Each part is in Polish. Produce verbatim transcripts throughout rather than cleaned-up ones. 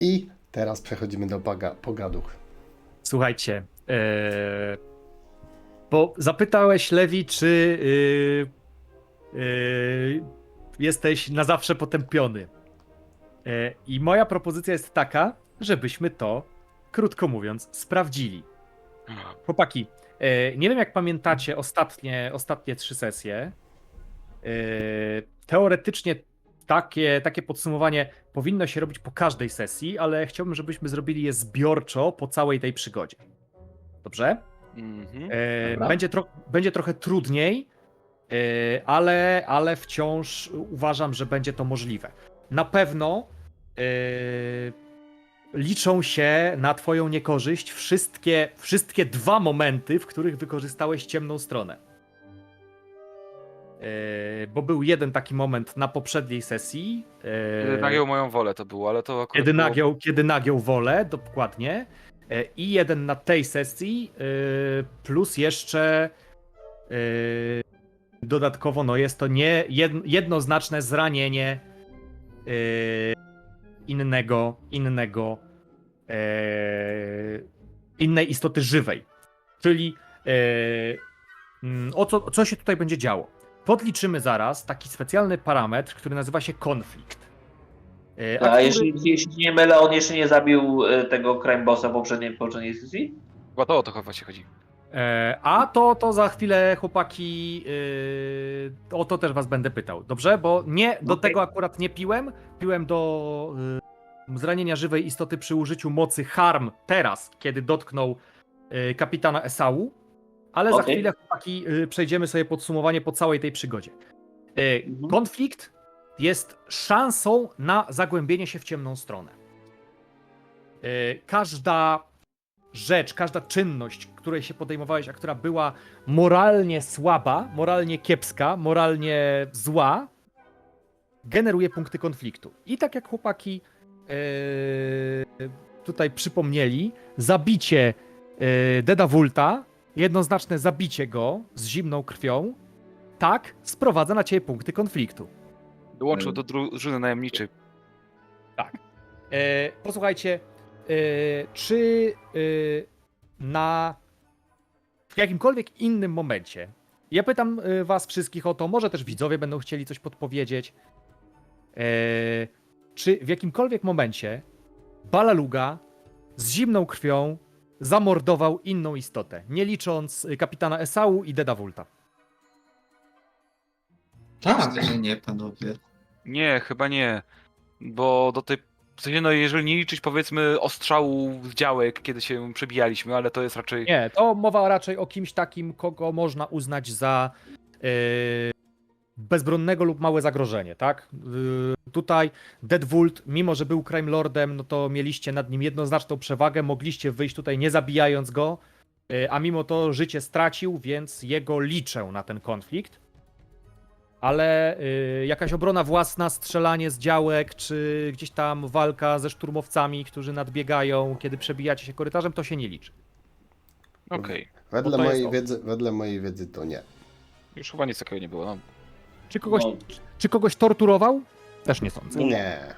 I teraz przechodzimy do baga, pogaduch. Słuchajcie, ee, bo zapytałeś, Lewi, czy yy, yy, jesteś na zawsze potępiony. E, I moja propozycja jest taka, żebyśmy to, krótko mówiąc, sprawdzili. Chłopaki, e, nie wiem jak pamiętacie ostatnie, ostatnie trzy sesje. E, teoretycznie takie, takie podsumowanie powinno się robić po każdej sesji, ale chciałbym, żebyśmy zrobili je zbiorczo po całej tej przygodzie. Dobrze? Mhm. E, będzie, tro, będzie trochę trudniej, e, ale, ale wciąż uważam, że będzie to możliwe. Na pewno e, liczą się na twoją niekorzyść wszystkie, wszystkie dwa momenty, w których wykorzystałeś ciemną stronę. E, bo był jeden taki moment na poprzedniej sesji. e, Kiedy nagiął moją wolę to było, ale to akurat Kiedy było... nagiął, kiedy nagiął wolę, dokładnie. E, I jeden na tej sesji, e, plus jeszcze e, dodatkowo, no jest to nie jed- jednoznaczne zranienie e, innego, innego, e, innej istoty żywej. Czyli e, mm, o co, co się tutaj będzie działo? Podliczymy zaraz taki specjalny parametr, który nazywa się konflikt. E, A który- jeśli, jeśli nie mylę, on jeszcze nie zabił e, tego crime bossa w poprzedniej, poprzedniej sesji? Chyba to o to chyba się chodzi. E, a to, to za chwilę, chłopaki, yy, o to też was będę pytał, dobrze? Bo nie, do Okej. tego akurat nie piłem. Piłem do yy, zranienia żywej istoty przy użyciu mocy harm teraz, kiedy dotknął yy, kapitana Esau. Ale za Okej. chwilę, chłopaki, yy, przejdziemy sobie podsumowanie po całej tej przygodzie. Yy, Mhm. Konflikt jest szansą na zagłębienie się w ciemną stronę. Yy, każda rzecz, każda czynność, której się podejmowałeś, a która była moralnie słaba, moralnie kiepska, moralnie zła, generuje punkty konfliktu. I tak jak chłopaki yy, tutaj przypomnieli, zabicie yy, Deda Wulta, jednoznaczne zabicie go z zimną krwią, tak, sprowadza na ciebie punkty konfliktu. Dołączył do drużyny najemniczej. E, posłuchajcie, e, czy e, na w jakimkolwiek innym momencie, ja pytam e, was wszystkich o to, może też widzowie będą chcieli coś podpowiedzieć, e, czy w jakimkolwiek momencie Balaluga z zimną krwią zamordował inną istotę, nie licząc e, kapitana Esau i Deda Wulta? Tak. Myślę, że nie, panowie. Nie, chyba nie. Bo do tej... W sensie, no jeżeli nie liczyć powiedzmy ostrzału z działek, kiedy się przebijaliśmy, ale to jest raczej... Nie, to mowa raczej o kimś takim, kogo można uznać za yy, bezbronnego lub małe zagrożenie, tak? Yy, tutaj Deadwood, mimo że był crime lordem, no to mieliście nad nim jednoznaczną przewagę, mogliście wyjść tutaj nie zabijając go, yy, a mimo to życie stracił, więc jego liczę na ten konflikt. Ale yy, jakaś obrona własna, strzelanie z działek, czy gdzieś tam walka ze szturmowcami, którzy nadbiegają, kiedy przebijacie się korytarzem, to się nie liczy. Okej. Wedle Bo to jest mojej o- wiedzy, wedle mojej wiedzy to nie. Już chyba nic takiego nie było. No. Czy kogoś, No. czy kogoś torturował? Też nie sądzę. Nie. E,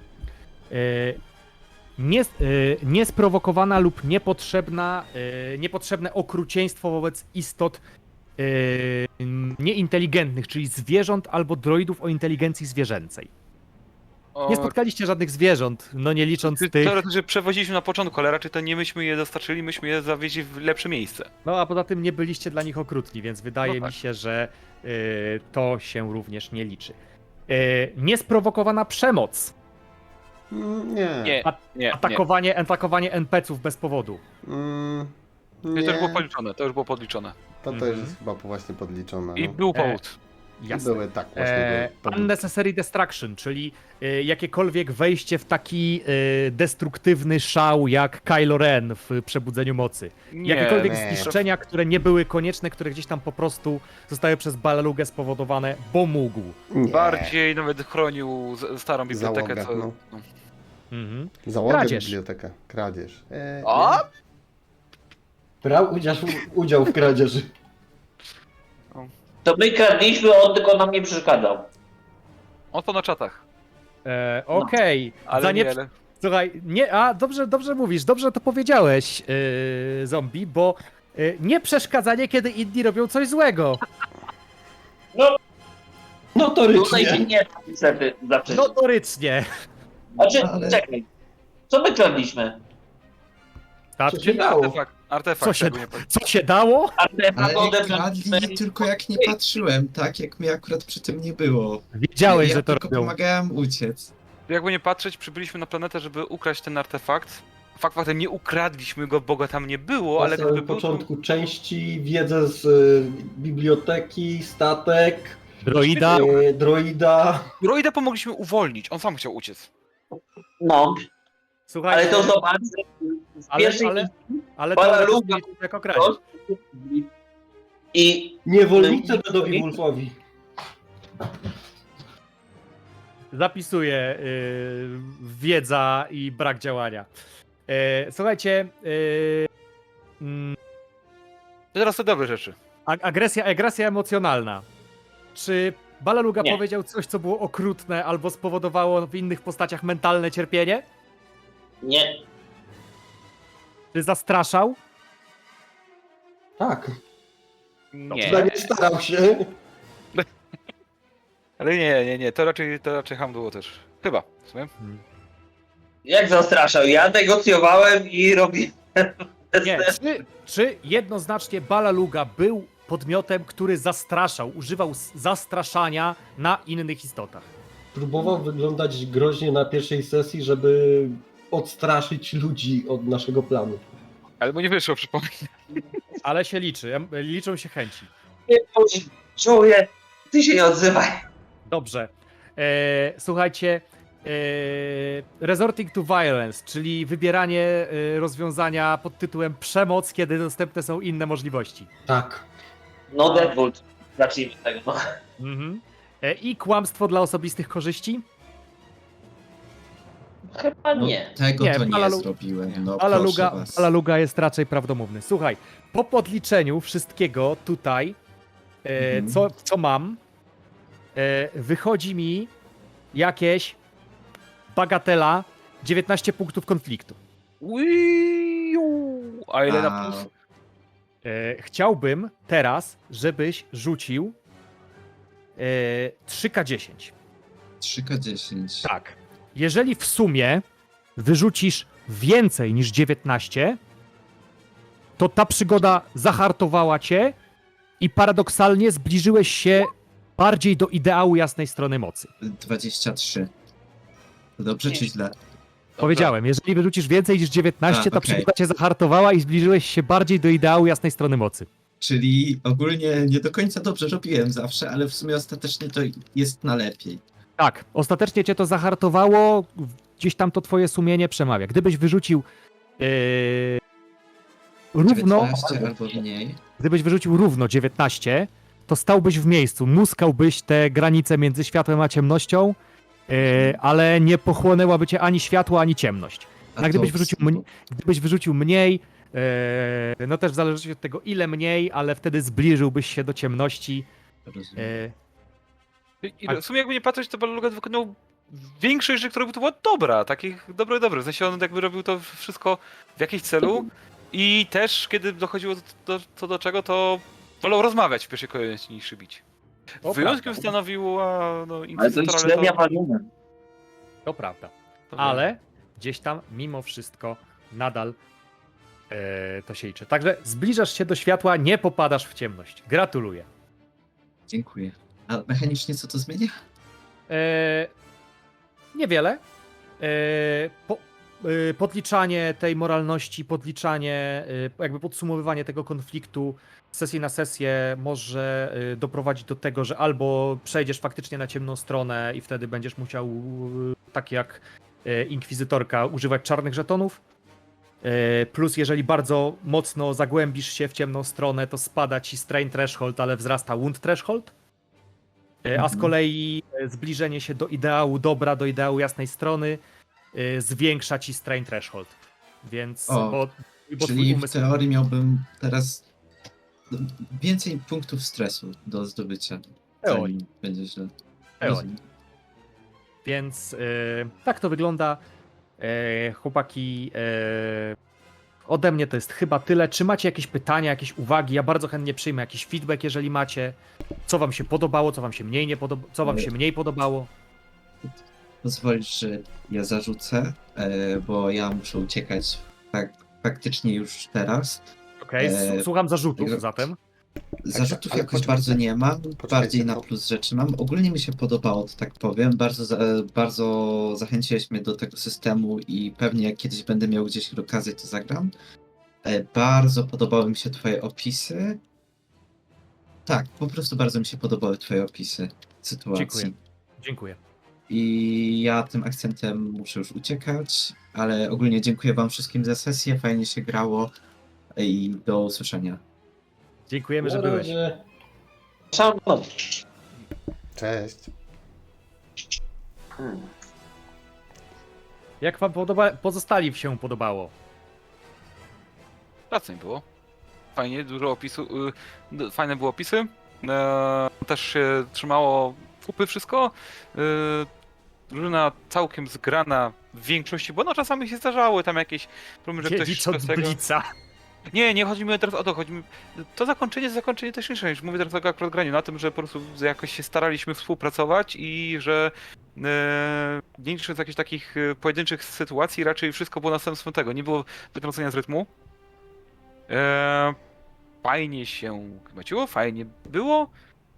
nie, e, niesprowokowana lub niepotrzebna, e, niepotrzebne okrucieństwo wobec istot e, nieinteligentnych, czyli zwierząt albo droidów o inteligencji zwierzęcej. O, Nie spotkaliście żadnych zwierząt, no nie licząc ty- tych... Teoretycznie przewoziliśmy na początku, ale raczej to nie myśmy je dostarczyli, myśmy je zawieźli w lepsze miejsce. No a poza tym nie byliście dla nich okrutni, więc wydaje No tak. mi się, że e, to się również nie liczy. E, niesprowokowana przemoc. Mm, Nie. Nie, A- nie, nie. Atakowanie, atakowanie en pe ce ów bez powodu. Mm, To nie. już było podliczone, to już było podliczone. To, to już Mhm. jest chyba właśnie podliczone. I No. był powód. I Jasne. były tak właśnie. E, były podli- unnecessary destruction, czyli e, jakiekolwiek wejście w taki e, destruktywny szał jak Kylo Ren w Przebudzeniu Mocy. Nie, Jakiekolwiek nie. zniszczenia, które nie były konieczne, które gdzieś tam po prostu zostały przez Balalugę spowodowane, bo mógł. Nie. bardziej nawet chronił z- starą bibliotekę, Załogę, co... no. No. Mhm. Załogę Kradzież. bibliotekę. Kradzież. E, A? Brał udział, udział w kradzieży. To my kradliśmy, on tylko nam nie przeszkadzał. On to na czatach. E, Okej, Ale za, nie, nie, ale... Słuchaj, nie, a dobrze, dobrze mówisz, dobrze to powiedziałeś, yy, zombie, bo yy, nie przeszkadzanie, kiedy inni robią coś złego. Tutaj się Notorycznie. nie niestety zaprzeczyć. Notorycznie. Znaczy, ale- czekaj. Co my kradliśmy? Co się Statki? dało? Artefakt, artefakt Co się, tego nie powiem. co się dało? Artefakt Ale odebraliśmy. kradli tylko jak nie patrzyłem, tak? Jak mnie akurat przy tym nie było. Wiedziałeś, ja że to tylko robią. pomagałem uciec. Jakby nie patrzeć, przybyliśmy na planetę, żeby ukraść ten artefakt. Fakt faktem nie ukradliśmy go, bo go tam nie było, Na ale samym gdyby był, początku części, wiedzę z y, biblioteki, statek, Droida. y, droida. Droida pomogliśmy uwolnić, on sam chciał uciec. No, Słuchaj, ale to zobacz, że z Ale- pierwszej ale- ale to Bala ale to Luga. zmienić jako kradzież. i Niewolnicy Dedowi Wolfowi. Zapisuję yy, wiedza i brak działania. Yy, słuchajcie, yy, mm, To teraz te dobre rzeczy. ag- agresja, agresja emocjonalna. Czy Balaluga Nie. powiedział coś, co było okrutne albo spowodowało w innych postaciach mentalne cierpienie? nie. Czy zastraszał? Tak, Nie, przynajmniej starał się. ale nie, nie, nie, to raczej, to raczej ham było też. Chyba, w sumie. Jak zastraszał? Ja negocjowałem i robiłem. Nie. Czy, czy jednoznacznie Balaluga był podmiotem, który zastraszał, używał s- zastraszania na innych istotach? Próbował wyglądać groźnie na pierwszej sesji, żeby odstraszyć ludzi od naszego planu. Ale mu nie wyszło, przypomnę. Ale się liczy, em- liczą się chęci. Czuję. Ty się nie odzywaj. Dobrze. E, słuchajcie, e, resorting to violence, czyli wybieranie e, rozwiązania pod tytułem przemoc, kiedy dostępne są inne możliwości. Tak. No Deadwood. Zacznijmy od tego. No. Mhm. E, I kłamstwo dla osobistych korzyści. Chyba No, nie. tego Nie, to nie Balalu- zrobiłem. No, Balaluga, proszę was. Balaluga jest raczej prawdomówny. Słuchaj, po podliczeniu wszystkiego tutaj, e, Mhm. co, co mam, e, wychodzi mi jakieś bagatela dziewiętnaście punktów konfliktu. Uiu, a ile na A, plus? E, chciałbym teraz, żebyś rzucił e, trzy K dziesięć. trzy K dziesięć. Tak. Jeżeli w sumie wyrzucisz więcej niż dziewiętnaście, to ta przygoda zahartowała cię i paradoksalnie zbliżyłeś się bardziej do ideału jasnej strony mocy. dwadzieścia trzy. To dobrze Nie. czy źle? Powiedziałem, jeżeli wyrzucisz więcej niż dziewiętnaście, A, ta okej. przygoda cię zahartowała i zbliżyłeś się bardziej do ideału jasnej strony mocy. Czyli ogólnie nie do końca dobrze robiłem zawsze, ale w sumie ostatecznie to jest na lepiej. Tak, ostatecznie cię to zahartowało, gdzieś tam to twoje sumienie przemawia. Gdybyś wyrzucił yy, równo, dziewiętnaście albo mniej. gdybyś wyrzucił równo dziewiętnaście, to stałbyś w miejscu, muskałbyś te granice między światłem a ciemnością, yy, ale nie pochłonęłaby cię ani światło, ani ciemność. A A gdybyś to- wyrzucił, mniej, gdybyś wyrzucił mniej, yy, no też w zależności od tego ile mniej, ale wtedy zbliżyłbyś się do ciemności. Rozumiem. Yy, I, i w sumie jakby nie patrzeć, to Balaluga wykonał większość rzeczy, które robił, to była dobra, takich dobre, dobre. W sensie on jakby robił to wszystko w jakimś celu i też kiedy dochodziło do, do, co do czego, to wolał rozmawiać w pierwszej kolejności niż bić. To Wyjątkiem prawda. stanowił a, no, Ale to Inkwizytor, jest ale średnia to, waluny. to prawda. to wiem. Ale gdzieś tam mimo wszystko nadal e, to się liczy. Także zbliżasz się do światła, nie popadasz w ciemność. Gratuluję. Dziękuję. A mechanicznie co to zmienia? E, niewiele. E, po, e, podliczanie tej moralności, podliczanie, e, jakby podsumowywanie tego konfliktu z sesji na sesję może e, doprowadzić do tego, że albo przejdziesz faktycznie na ciemną stronę i wtedy będziesz musiał, e, tak jak e, inkwizytorka, używać czarnych żetonów. E, Plus, jeżeli bardzo mocno zagłębisz się w ciemną stronę, to spada ci strain threshold, ale wzrasta wound threshold. E, A z Mhm. kolei e, zbliżenie się do ideału dobra, do ideału jasnej strony e, zwiększa ci strain threshold. Więc O, bo, bo twój Czyli w umysł. teorii miałbym teraz więcej punktów stresu do zdobycia. Teorii. Zanim będzie źle. Teorii. Rozumiem. Więc e, tak to wygląda. E, chłopaki, e, ode mnie to jest chyba tyle. Czy macie jakieś pytania, jakieś uwagi? Ja bardzo chętnie przyjmę jakiś feedback, jeżeli macie. Co wam się podobało, co wam się mniej nie podobało, co wam się mniej podobało? Pozwolisz, że ja zarzucę, e, bo ja muszę uciekać fak faktycznie już teraz. Okej, E, słucham zarzutów jak- zatem. Zarzutów ale jakoś poczekajcie, bardzo nie mam, poczekajcie, bardziej na bo- plus rzeczy mam. Ogólnie mi się podobało, to tak powiem. Bardzo, za, bardzo zachęciłeś mnie do tego systemu i pewnie jak kiedyś będę miał gdzieś okazję, to zagram. E, Bardzo podobały mi się twoje opisy. Tak, po prostu bardzo mi się podobały twoje opisy sytuacji. Dziękuję. Dziękuję. I ja tym akcentem muszę już uciekać, ale ogólnie dziękuję wam wszystkim za sesję, fajnie się grało i do usłyszenia. Dziękujemy, że Na byłeś. razie. Szanowny. Cześć. Hmm. Jak wam podoba, pozostali się podobało? Pracy nie było. Fajnie, dużo opisu, y, d- fajne były opisy. E, też się trzymało kupy wszystko. Y, drużyna całkiem zgrana w większości, bo no czasami się zdarzały tam jakieś problemy, że Nie ktoś licząc bez tego... Blica. Nie, nie chodzi mi teraz o to, chodzi mi... To zakończenie, zakończenie też nie niż mówię teraz o akurat graniu, na tym, że po prostu jakoś się staraliśmy współpracować i że e, nie licząc jakichś takich e, pojedynczych sytuacji, raczej wszystko było następstwem tego, nie było wytrącenia z rytmu. E, fajnie się kręciło, fajnie było.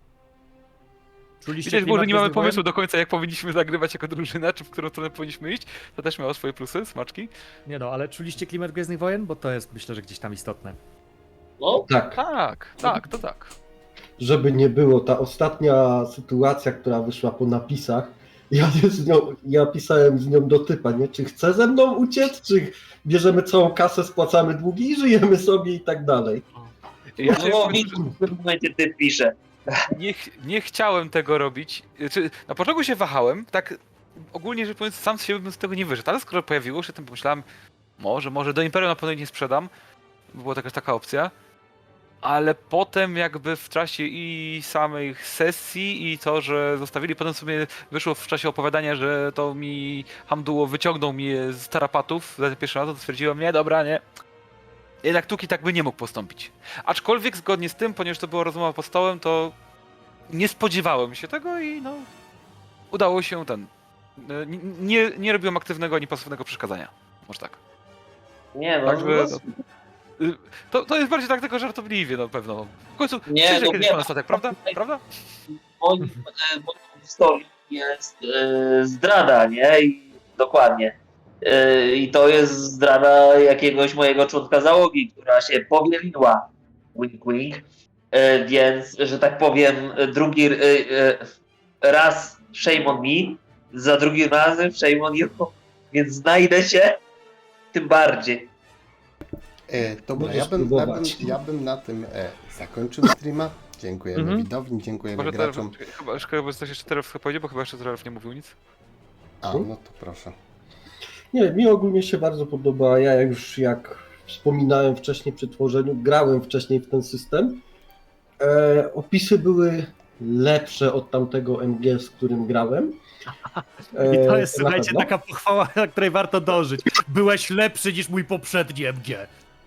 Czuliście Widać było, że klimat nie mamy Gwiezdnych Wojen? pomysłu do końca, jak powinniśmy zagrywać jako drużyna, czy w którą stronę powinniśmy iść. To też miało swoje plusy, smaczki. Nie no, ale czuliście klimat Gwiezdnych Wojen? Bo to jest, myślę, że gdzieś tam istotne. No, Tak, Tak, tak, to tak. żeby nie było, ta ostatnia sytuacja, która wyszła po napisach, ja, z nią, ja pisałem z nią do typa, nie? Czy chce ze mną uciec, czy bierzemy całą kasę, spłacamy długi i żyjemy sobie i tak dalej. Ja się no widzisz, w którym momencie ty pisze. nie, ch- nie chciałem tego robić. Czy na początku się wahałem, tak ogólnie rzecz biorąc, sam z siebie bym z tego nie wyszedł, ale skoro pojawiło się, to pomyślałem, może, może do Imperium na pewno nie sprzedam, bo była taka, taka opcja. Ale potem jakby w czasie i samej sesji i to, że zostawili, potem sobie wyszło w czasie opowiadania, że to mi Hamduło wyciągnął mnie z tarapatów za ten pierwszy raz, to stwierdziłem, nie, dobra, nie. Jednak Tuki tak by nie mógł postąpić. Aczkolwiek zgodnie z tym, ponieważ to była rozmowa pod stołem, to nie spodziewałem się tego i no udało się ten. Nie, nie, nie robiłem aktywnego ani pasywnego przeszkadzania. Może tak. Nie no, Także no, Y, To, to jest bardziej tak tylko żartobliwie na pewno. W końcu Nie, przyjdzie no kiedyś nie. pan statek, prawda? Prawda? moim, e, moją historią jest e, zdrada, nie? I, dokładnie. E, I to jest zdrada jakiegoś mojego członka załogi, która się powieliła. Wink, wink. E, więc, że tak powiem, drugi e, e, raz shame on me, za drugim razem shame on you. Więc znajdę się tym bardziej. E, dobra, Możesz ja bym, ja, bym, próbować. ja bym na tym e, zakończył streama. Dziękujemy Mhm. widowni, dziękujemy Może teraz, graczom. chyba, chyba coś jeszcze teraz powiedzieć, bo chyba jeszcze Zrelf nie mówił nic. A, no to proszę. Nie, mi ogólnie się bardzo podoba. Ja już jak wspominałem wcześniej przy tworzeniu, grałem wcześniej w ten system. E, opisy były lepsze od tamtego M G, z którym grałem. E, I to jest, na słuchajcie, pewno. taka pochwała, na której warto dążyć. Byłeś lepszy niż mój poprzedni M G.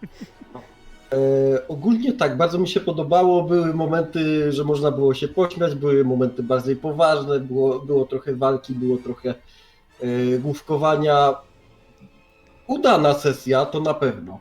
E, ogólnie tak, bardzo mi się podobało. Były momenty, że można było się pośmiać, były momenty bardziej poważne, było, było trochę walki, było trochę e, główkowania. Udana sesja, to na pewno.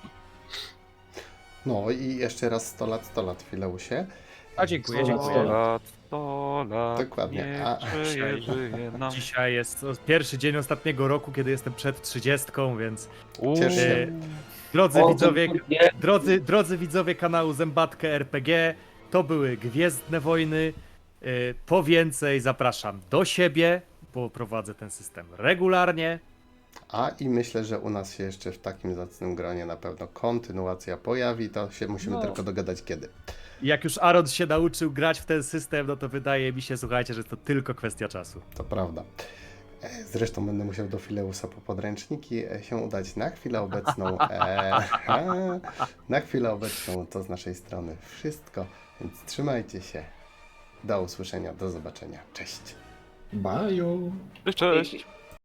No i jeszcze raz sto lat, sto lat, Fileusie. A dziękuję, sto lat, dziękuję. sto lat. lat, sto lat, Dokładnie, niech a- żyje, żyje nam. Dzisiaj jest pierwszy dzień ostatniego roku, kiedy jestem przed trzydziestką, więc Ciesz się. e, drodzy O, widzowie, nie, drodzy, drodzy widzowie kanału Zębatkę R P G, to były Gwiezdne Wojny. E, Po więcej zapraszam do siebie, bo prowadzę ten system regularnie. A i myślę, że u nas się jeszcze w takim zacnym gronie na pewno kontynuacja pojawi, to się musimy No. tylko dogadać kiedy. I jak już Aaron się nauczył grać w ten system, no to wydaje mi się, słuchajcie, że to tylko kwestia czasu. To prawda. E, Zresztą będę musiał do Fileusa po podręczniki e, się udać na chwilę obecną. E, na chwilę obecną to z naszej strony wszystko, więc trzymajcie się. Do usłyszenia, do zobaczenia. Cześć. Bye. Cześć.